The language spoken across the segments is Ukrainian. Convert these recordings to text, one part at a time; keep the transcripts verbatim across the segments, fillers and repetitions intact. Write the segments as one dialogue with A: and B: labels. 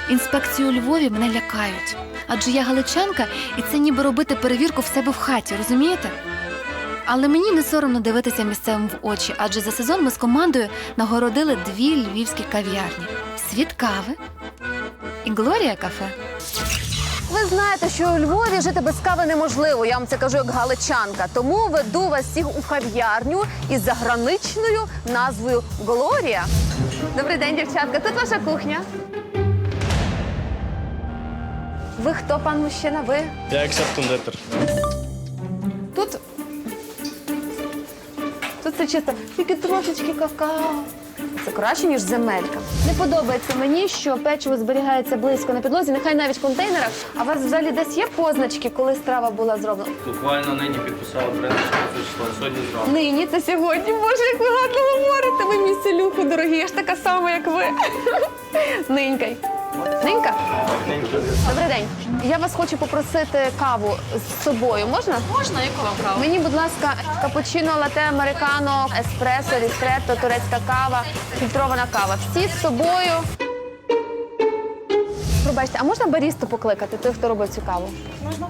A: Інспекції у Львові мене лякають. Адже я галичанка, і це ніби робити перевірку в себе в хаті, розумієте? Але мені не соромно дивитися місцевим в очі, адже за сезон ми з командою нагородили дві львівські кав'ярні. «Світ кави» і «Глорія кафе».
B: Ви знаєте, що у Львові жити без кави неможливо, я вам це кажу як галичанка. Тому веду вас всіх у кав'ярню із заграничною назвою «Глорія». Добрий день, дівчатка. Тут ваша кухня. Ви хто, пан мужчина? Ви?
C: Я експерт-кондитер.
B: Тут... Тут це чисто тільки трошечки какао. Це краще, ніж земелька. Не подобається мені, що печиво зберігається близько на підлозі, нехай навіть в контейнерах. А у вас взагалі десь є позначки, коли страва була зроблена?
C: Буквально нині підписала тринадцяте число, сьогодні зранку.
B: Нині, це сьогодні. Боже, як ви гарно говорите. Ви мій селюху, дорогі, я ж така сама, як ви. Нинькай. Нинька? Добрий день. Я вас хочу попросити каву з собою. Можна?
D: Можна, яку вам каву?
B: Мені, будь ласка, капучино, лате, американо, еспресо, рістретто, турецька кава, фільтрована кава. Всі з собою. Пробачте, а можна барісту покликати, той, хто робив цю каву?
D: Можна.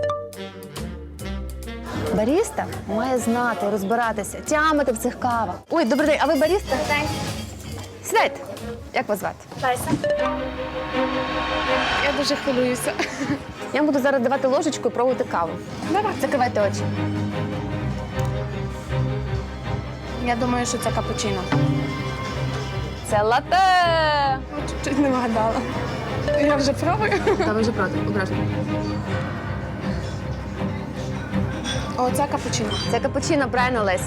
B: Баріста має знати, розбиратися, тямити в цих кавах. Ой, добрий день, а ви баріста?
D: День.
B: Сідайте. Як вас звати?
D: Леся. Я дуже хвилююся.
B: Я вам буду зараз давати ложечку і пробувати каву.
D: Давай.
B: Закривайте очі.
D: Я думаю, що це капучино.
B: Це лате.
D: Чуть не вгадала. Я вже пробую.
B: Та ви вже проти, ображно.
D: О, це капучино.
B: Це капучино, правильно, Лесь?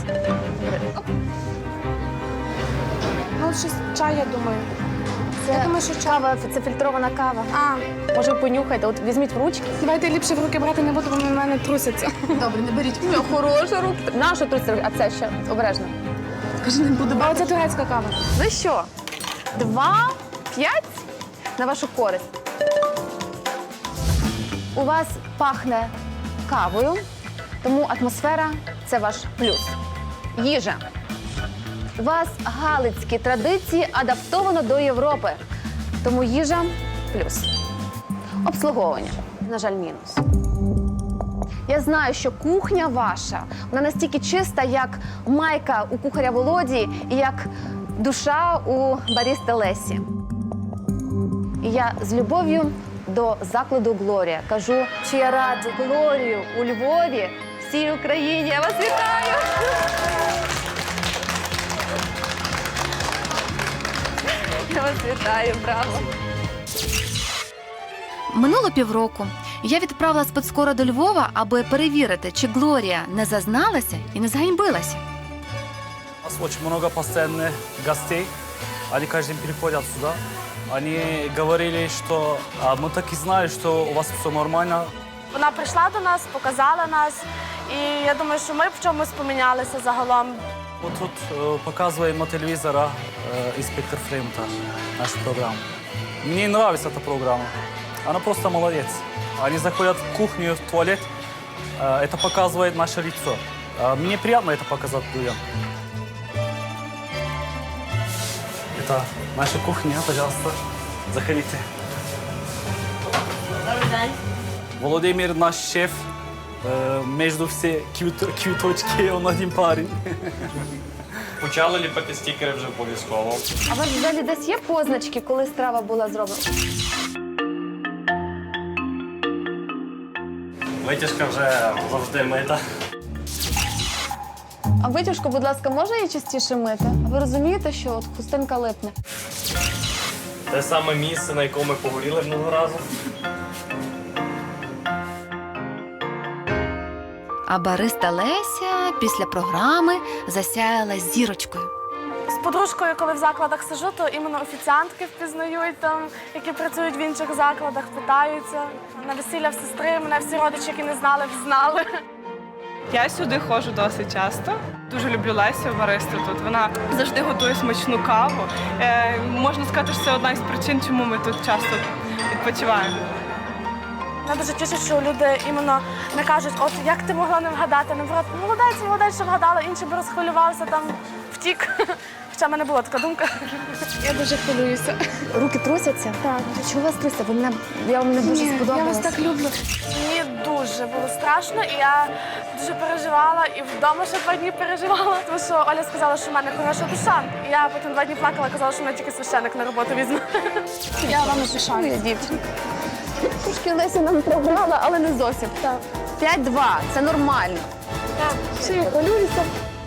D: Ну, щось чай, я думаю.
B: Це
D: Я думаю, що чай.
B: кава, це фільтрована кава.
D: А,
B: Може, ви понюхайте, от візьміть в ручки.
D: давайте ліпше в руки брати не буду, вони в мене трусяться.
B: Добре, не беріть. Ну, хороша руки. Нашу тут, а це ще обережно.
D: Кажи, не буду брати. А оце турецька кава.
B: Ну що, два, п'ять на вашу користь. У вас пахне кавою, тому атмосфера – це ваш плюс. Їжа. У вас галицькі традиції адаптовано до Європи, тому їжа – плюс. Обслуговування, на жаль, мінус. Я знаю, що кухня ваша, вона настільки чиста, як майка у кухаря Володі і як душа у барісти Лесі. І я з любов'ю до закладу «Глорія» кажу, що я раджу Глорію у Львові всій Україні. Я вас вітаю! Я вас вітаю, браво!
A: Минуло півроку. Я відправила спецкора до Львова, аби перевірити, чи Глорія не зазналася і не зганьбилася.
E: У нас очень много постоянных гостей. Они каждый день приходят сюда. Они говорили, что а, мы так и знали, что у вас все нормально.
F: Вона прийшла до нас, показала нас, і я думаю, що ми в чомусь помінялися загалом.
E: Вот тут э, показываем на телевизора э, инспектор Флеймонтаж, нашу программу. Мне нравится эта программа. Она просто молодец. Они заходят в кухню, в туалет. Э, это показывает наше лицо. Э, мне приятно это показать людям. Это наша кухня, пожалуйста, заходите.
F: Добрий день.
E: Володимир наш шеф. Э, между все квіт- квіточки он один парень.
C: Почали ліпити стікери вже обов'язково.
B: А у вас взагалі десь є позначки, коли страва була зроблена?
C: Витяжка вже завжди мита.
B: А витяжку, будь ласка, можна її частіше мити? А ви розумієте, що от хустинка липне?
C: Те саме місце, на якому ми погоріли минулого разу.
A: А бариста Леся після програми засяяла зірочкою.
F: З подружкою, коли в закладах сижу, то іменно офіціантки впізнають там, які працюють в інших закладах, питаються. На весілля в сестри мене всі родичі, які не знали, взнали.
G: Я сюди ходжу досить часто. Дуже люблю Лесю, баристу тут. Вона завжди готує смачну каву. Е, можна сказати, що це одна із причин, чому ми тут часто відпочиваємо.
F: Мене дуже тішить, що люди іменно не кажуть, от як ти могла не вгадати, наоборот, молодець, молодець, що вгадала, інші б розхвилювалися, там втік, Хоча в мене була така думка.
D: Я дуже хвилююся.
B: Руки трусяться? Так. Чого у вас трусяться? Ви мене, я вам не дуже
D: Ні, я
B: сподобалась.
D: вас так люблю.
F: Мені дуже було страшно, і я дуже переживала, і вдома ще два дні переживала. Тому що Оля сказала, що в мене хороша душа. І я потім два дні плакала, казала, що мене тільки священник на роботу візьме.
D: Я вам не
B: Шану, я дівчинка. Трошки Леся нам програла, але не зовсім. Так. п'ять-два. Це нормально. Ще я хвилююся.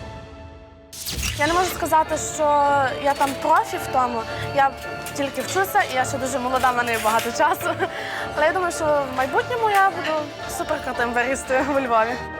F: Я не можу сказати, що я там профі в тому. Я тільки вчуся, і я ще дуже молода, в мене є багато часу. Але я думаю, що в майбутньому я буду суперкрутим баристою у Львові.